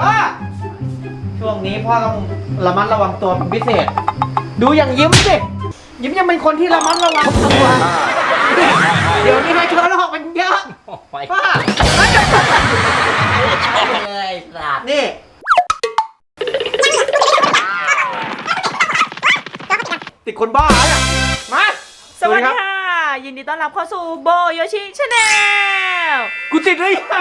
พ่อช่วงนี้พ่อต้องระมัดระวังตัวเป็นพิเศษ ดูอย่างยิ้มสิยิ้มยังเป็นคนที่ระมัดระวังตัวเดี๋ยวนี้ให้เชื้อโรคมันเยอะพ่อเลยสัตว์นี่ ติดคนบ้าเนี่ยมาสวัสดีค่ะ ยินดีต้อนรับเข้าสู่โบโยชิชาแนลกูติดเลยยัง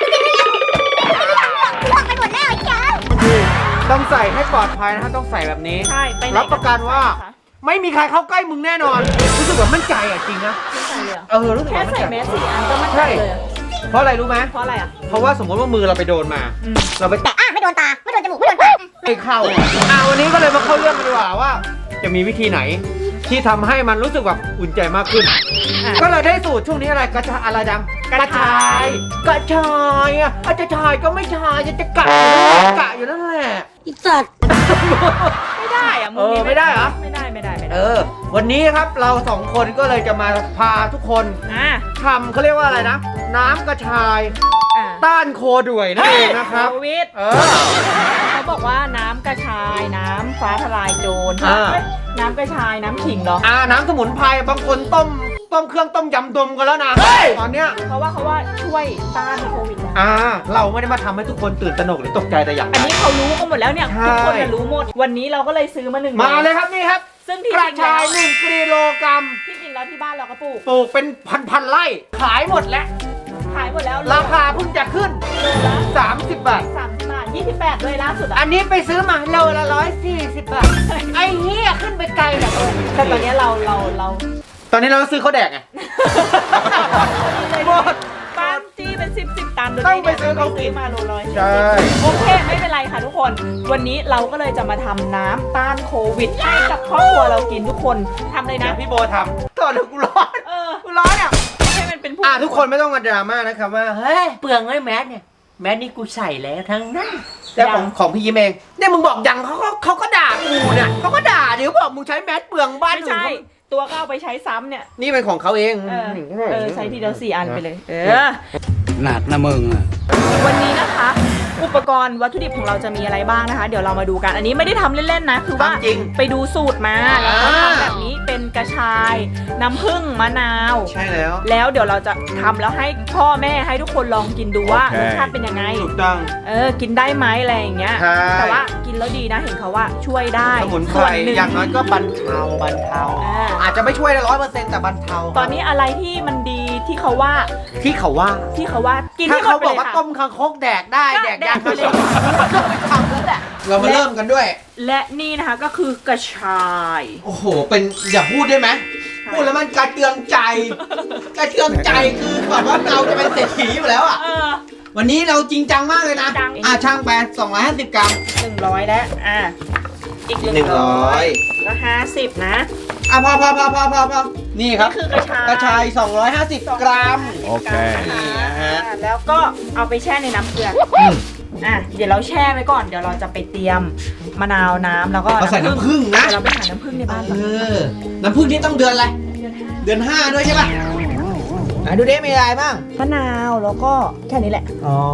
บอกไปหมดแล้วไอ้เจ้าต้องใส่ให้ปลอดภัยนะครับต้องใส่แบบนี้ใช่ไปไหนรับประกันว่า ไม่มีใครเข้าใกล้มึงแน่นอน รู้สึกแบบมั่นใจอ่ะจริงนะไม่ใส่เลยเหรอรู้สึกแค่แบบมั่นใส่ใจแมส4 อันก็มั่นใจเลยอะเพราะอะไรรู้ไหมเพราะอะไรอ่ะเพราะว่าสมมติว่ามือเราไปโดนมา เราไปแตะไม่โดนตา ไม่โดนจมูก ไม่โดนปากไม่เข้าวันนี้ก็เลยมาเข้าเรื่องกันดีกว่าว่า จะมีวิธีไหน ที่ทำให้มันรู้สึกแบบอุ่นใจมากขึ้น ก็เลยได้สูตรช่วงนี้อะไรกระชายอะไรดังกระชายอ่ะอาจจะชายก็ไม่ชายจะกะอยู่นั่นแหละอีสัตว์ไม่ได้อ่ะมึงนี้ไม่ได้เหรอไม่ได้วันนี้ครับเราสองคนก็เลยจะมาพาทุกคน ทำเขาเรียกว่าอะไรนะ น้ำกระชายต้านโคด่วยนั่นเองนะครับโควิดเขาบอกว่าน้ำกระชายน้ำฟ้าทลายโจรน้ำกระชายน้ำขิงเหรอน้ำสมุนไพรบางคนต้มเครื่องต้มยำดมกันแล้วนะตอนเนี้ยเขาว่าช่วยต้านโควิดนะเราไม่ได้มาทำให้ทุกคนตื่นตระหนกหรือตกใจแต่อย่างใดอันนี้เขารู้กันหมดแล้วเนี่ยทุกคนรู้หมดวันนี้เราก็เลยซื้อมา1 มาเลยครับนี่ครับซึ่งที่กระชาย1 กิโลกรัมที่จริงแล้วที่บ้านเราก็ปลูกเป็นพันไร่ขายหมดแล้วขายหมดแล้วราคาเพิ่งจะขึ้น30 บาท 30 บาท28ด้วยล่าสุดอันนี้ไปซื้อมาโลละ140 บาทไอ้เหี้ยขึ้นไปไกลแบบแต่ตอนนี้เราตอนนี้เราซื้อข้าวแดกไงหมดบ้านจี้เป็น10 ตันต้องไปซื้อเขากินมาโลร้อยใช่โอเคไม่เป็นไรค่ะทุกคน วันนี้เราก็เลยจะมาทำน้ำต้านโควิดให้กับครอบครัวเรากินทุกคนทำเลยนะพี่โบทำตอนกูร้อนกูร้อนอ่ะให้มันเป็นผู้ทุกคนไม่ต้องมาดราม่านะครับว่าเฮ้ยเปลืองไอ้แมสเนี่ยแมสนี่กูใส่แล้วทั้งนั้นแต่ของพี่ยิ้มเองเนี่ยมึงบอกยังเขาก็ด่ากูเนี่ยเขาก็ด่าเดี๋ยวบอกมึงใช้แมสเปลืองบ้านไม่ใช่ตัวก็เอาไปใช้ซ้ำเนี่ยนี่เป็นของเขาเองใช้ทีเดียว4 อันไปเลยหนักนะมึงอ่ะวันนี้นะคะอุปกรณ์วัตถุดิบของเราจะมีอะไรบ้างนะคะเดี๋ยวเรามาดูกันอันนี้ไม่ได้ทำเล่นๆนะคือว่าไปดูสูตรมาแล้วก็ทำแบบนี้เป็นกระชายน้ำผึ้งมะนาวใช่แล้วแล้วเดี๋ยวเราจะทำแล้วให้พ่อแม่ให้ทุกคนลองกินดูว่ารสชาติเป็นยังไงถูกต้องกินได้ไหมอะไรอย่างเงี้ยแต่ว่ากินแล้วดีนะเห็นเขาว่าช่วยได้สมุนไพรอย่างน้อยก็บรรเทาอาจจะไม่ช่วยได้100%แต่บรรเทาตอนนี้อะไรที่มันดีที่เขาว่ากินถ้าที่เขาหมดไปบอกเลยว่าค่ะต้มคางคกแดกได้แดกยากไปเลยทำแล้วแหละเรามาเริ่มกันด้วยและนี่นะคะก็คือกระชายโอ้โหเป็นอย่าพูดได้ไหมพูดแล้วมันกระเตืองใจคือแบบว่าเราจะเป็นเศรษฐีอยู่แล้วอ่ะวันนี้เราจริงจังมากเลยนะช่างไป250 กรัม 100แล้วอีก100ก็50นะพอนี่ครับคือกระชาย 250 กรัมโอเคแล้วก็เอาไปแช่ในน้ำเกลือเดี๋ยวเราแช่ไว้ก่อนเดี๋ยวเราจะไปเตรียมมะนาวน้ำแล้วก็ใส่น้ำผึ้งนะเราไปหาน้ำผึ้งในบ้านน้ำผึ้งนี่ต้องเดือนอะไรเดือน 5ด้วยใช่ป่ะดูดิมีอะไรบ้างมะนาวแล้วก็แค่นี้แหละ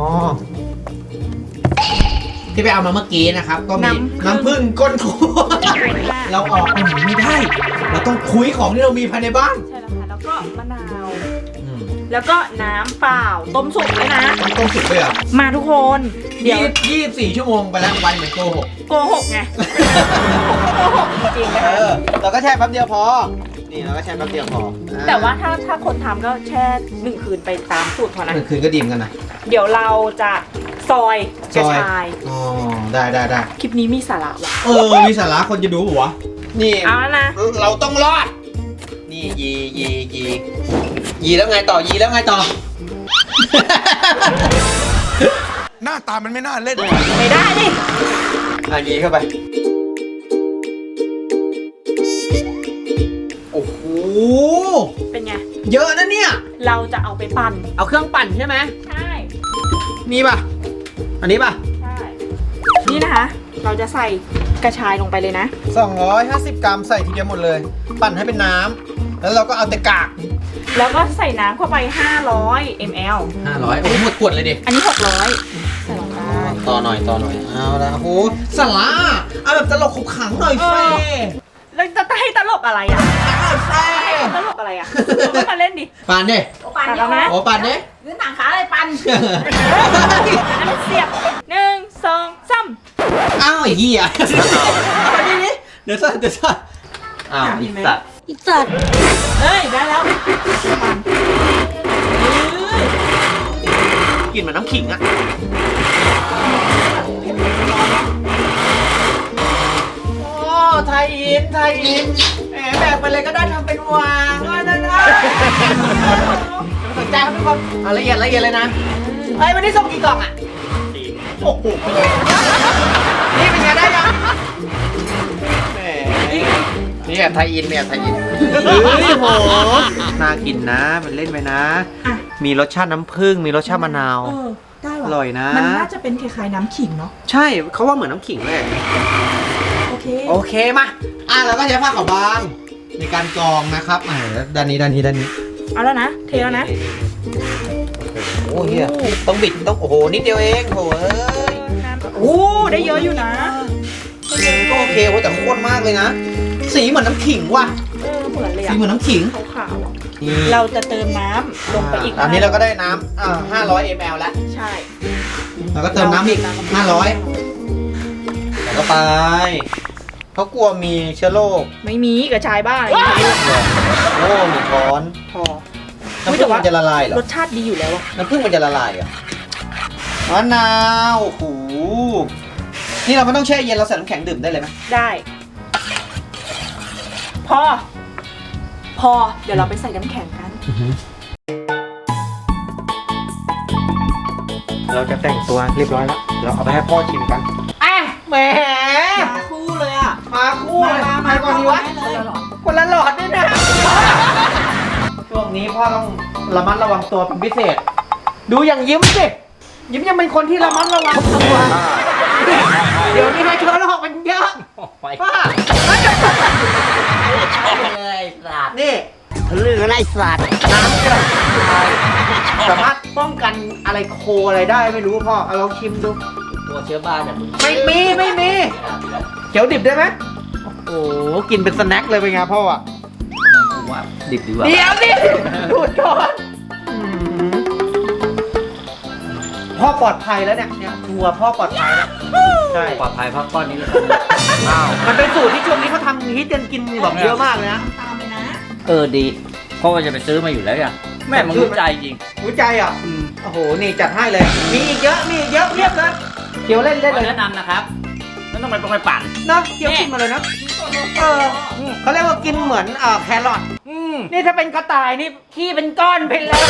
ที่ไปเอามาเมื่อกี้นะครับก็มีน้ำผึ้งก้นคั่วเราออกไปไหนไม่ได้เราต้องคุยของที่เรามีภายในบ้านใช่แล้วค่ะแล้วก็มะนาวแล้วก็น้ำเปล่าต้มสุกเลยนะต้มสุกเลยเหรอมาทุกคนเดี๋ยว24 ชั่วโมงไปแล้ววันเหมือนโกหกไงจริงๆนะคะเราก็แช่แป๊บเดียวพอนี่เราก็แช่แป๊บเดียวพอแต่ว่าถ้าคนทำก็แช่1 คืนไปตามสูตรพอนะ 1 คืนก็ดีมกันนะเดี๋ยวเราจะซอยกระชายได้คลิปนี้มีสาระว่ะมีสาระคนจะดูหัวนี่เอาแล้วนะเราต้องรอดนี่ยีแล้วไงต่อหน้าตามันไม่น่าเล่นไม่ได้ดิยีเข้าไปโอ้โหเป็นไงเยอะนะเนี่ยเราจะเอาไปปั่นเอาเครื่องปั่นใช่ไหมใช่นี่ป่ะอันนี้ป่ะใช่นี่นะคะเราจะใส่กระชายลงไปเลยนะ 250 กรัมใส่ทีเดียวหมดเลยปั่นให้เป็นน้ำแล้วเราก็เอาแต่กากแล้วก็ใส่น้ำเข้าไป500 ml 500โอ้หมดขวดเลยดิอันนี้600ใส่ลงไปต่อหน่อยเอาละโอ้โหสาระเอาแบบตลกขบขังหน่อยเฟ่แล้วจะให้ตลกอะไรอ่ะเฟ่ตลกอะไรอ่ะเราก็มาเล่นดิปันดิปั่นแล้วนะโอ้ปันดิยืนต่างขาเลยปั่นอันนั้นเสียบ1 2 3 อ้าวไอ้เหี้ยเอาดิเดี๋ยวซ่อนอ้าวอีสัตว์อีสัตว์เฮ้ยได้แล้วปั่นกินเหมือนน้ำขิงอะโอ้ไทยอินแหมแบกไปเลยก็ได้ทำเป็นวางนั่นสนใจครับทุกคนเอาละเอียดเลยนะเฮ้ยวันนี้ส่งกี่กล่องอะโอ้โหนี่เป็นไงได้ยังแหมนี่ไทยอินเฮ้ยโหน่ากินนะมันเล่นไปนะ มีรสชาติน้ำผึ้งมีรสชาติมะนาวได้อร่อยนะมันน่าจะเป็นคล้ายๆน้ำขิงเนาะใช่เขาว่าเหมือนน้ำขิงเลยโอเคมาเราก็ใช้ผ้าขาวบางในการกรองนะครับด้านนี้เอาแล้วนะเทแล้วนะโอ้เฮียต้องบิดต้องโอ้โหนิดเดียวเองโถ่เอ้ยโอ้ได้เยอะอยู่นะก็โอเคโอ้แต่ข้นมากเลยนะสีเหมือนน้ำขิงว่ะเหมือนเลยสีอะเหมือนน้ำขิงขาวๆอะเราจะเติมน้ำลงไปอีกอันนี้เราก็ได้น้ำ500 ml แล้วใช่แล้วก็เติมน้ำอีก500แล้วก็ไปเขากลัวมีเชื้อโรคไม่มีกระชายบ้าอะไรอย่างเงี้ยโอ้หนึ่งช้อนพอน้ำผึ้งมันจะละลายเหรอรสชาติดีอยู่แล้วอะน้ำผึ้งมันจะละลายเหรอมะนาวโอ้โหนี่เราไม่ต้องแช่เย็นเราใส่น้ำแข็งดื่มได้เลยไหมได้ พอ เดี๋ยวเราไปใส่น้ำแข็งกันเราจะแต่งตัวเรียบร้อยแล้วเราเอาไปให้พ่อชิมกันแหมมาคู่เลยอ่ะมาคู่เลยใครก่อนดีวะคนละหลอดด้วยนะช่วงนี้พ่อต้องระมัดระวังตัวเป็นพิเศษ ดูอย่างยิ้มสิยิ้มยังเป็นคนที่ระมัดระวังตัวเดี๋ยวนี้ให้เชื้อโรคมันเยอะป้าเลยสัตว์นี่เรื่องอะไรสัตว์น้ำกระชายสามารถป้องกันอะไรโคอะไรได้ไม่รู้พ่อเอาลองชิมดูตัวเชื้อบ้านเนี่ยมึงไม่มีเขียวดิบได้ไหมโอ้โหกินเป็นสแน็คเลยเป็นไงพ่ออ่ะกูว่าดิบดีกว่าเดี๋ยวดิดูดก่อนพ่อปลอดภัยแล้วเนี่ยทัวร์พ่อปลอดภัยแล้วใช่ปลอดภัยพักก้อนนี้เลยอ้าวมันเป็นสูตรที่ช่วงนี้เขาทำฮิตกันกินแบบเยอะมากเลยนะตามไปนะดีเพราะว่าจะไปซื้อมาอยู่แล้วอย่างแม่มึงรู้ใจจริงหัวใจอ่ะโอ้โหนี่จัดให้เลยมีอีกเยอะเรียบเลยเขียวเล่นเลยแนะนำนะครับไม่ต้องไปปั่นเนาะเขียวกินมาเลยนะเขาเรียกว่ากินเหมือนแครอทนี่ถ้าเป็นกระต่ายนี่ขี้เป็นก้อนไปเลย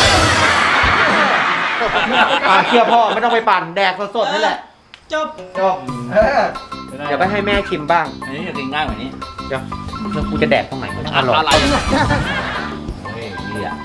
เชื่อพ่อไม่ต้องไปปั่นแดกสดๆนั่นแหละจบเดี๋ยวไปให้แม่ชิมบ้างอันนี้จะกินง่ายกว่านี้เดี๋ยวแล้วกูจะแดกตรงไหนวะอร่อยอะไรเฮ้ยเฮีย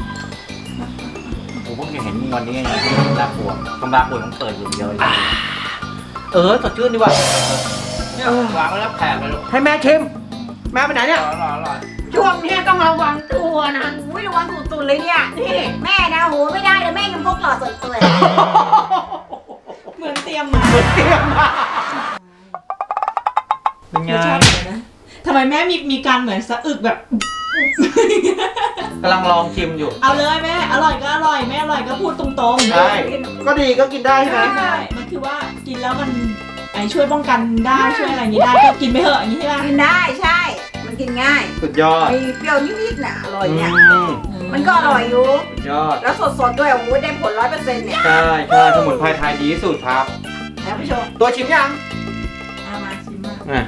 ผมเพิ่งเห็นวันนี้ไงน่ากลัวกำลังปวดมันเปิดอยู่เดียวเลยสดชื่นดีกว่าเนี่ยวางไว้แล้วแผลไปลูกให้แม่ชิมแม่ไปไหนเนี่ยอร่อยช่วงนี้ต้องระวังตัวนะอุ้ยระวังสุดๆเลยเนี่ย นี่แม่นะโหไม่ได้เลยแม่ยังพกหลอดสดเลยเหมือนเตรียมมาเตรียมมาเป็นไงรสชาติเหมือนนะทำไมแม่มีการเหมือนสะอึกแบบกำลังลองชิมอยู่เอาเลยแม่ อร่อยก็อร่อยไม่อร่อยก็พูดตรงๆใช่ก็ดีก็กินได้ใช่ไหมใช่มันคือว่ากินแล้วมันช่วยป้องกันได้ช่วยอะไรอย่างนี้ได้ก็กินไปเถอะอย่างนี้ใช่ไหมกินได้ใช่ มันกินง่ายสุดยอดมีเปรี้ยวนิดๆน่ะอร่อยเนี่ยอืมมันก็อร่อยอยู่สุดยอดแล้วสดๆด้วยโอ้โหได้ผล100%เนี่ยใช่สมุนไพรไทยดีที่สุดครับท่านผู้ชมตัวชิมยังเอามาชิมมาอ่ะ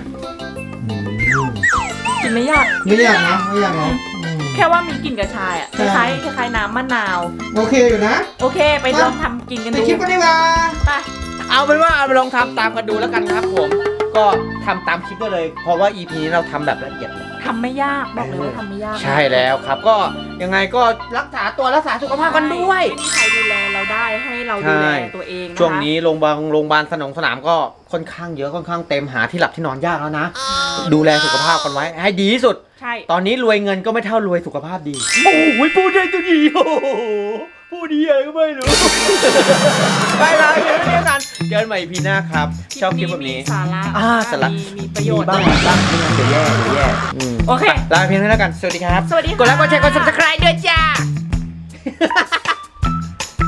กินไม่ยากไม่อยากนะไม่อยากนะแค่ว่ามีกลิ่นกระชายอ่ะคใช่ล้ายๆน้ำมะนาวโอเคอยู่นะโอเค ไปลองทำกินกันไปดูคลิปกันดีกว่าไปเอาเป็นว่าเอาไปลองทำตามกันดูแล้วกันครับผม ก็ทำตามคลิปได้เลย เพราะว่า EP นี้เราทำแบบละเอียดเลยทำไม่ยากบอกเลยว่าทำไม่ยากใช่แล้วครับ ก็ยังไงก็รักษาตัวรักษาสุขภาพกันด้วยไม่มีใครดูแลเราได้ให้เราดูแลตัวเองนะคะช่วงนี้โรงพยาบาลสนามก็ค่อนข้างเยอะค่อนข้างเต็มหาที่หลับที่นอนยากแล้วนะ ดูแลสุขภาพกันไว้ให้ดีที่สุดใช่ตอนนี้รวยเงินก็ไม่เท่ารวยสุขภาพดี โอ้ยพูดได้ตัวดีโอ้โหพูดดีอะไรก็ไม่รู้ ไปลาไปเรื่อยๆกันเจอกันใหม่ EP หน้าครับ ชอบคลิปแบบนี้มีสาระสาระมีประโยชน์บ้างไม่งั้นเดี๋ยวแย่โอเคลาไปเพียงเท่านี้แล้วกัน สวัสดีครับสวัสดีค่ะกดไลค์กดแชร์กด subscribe ด้วย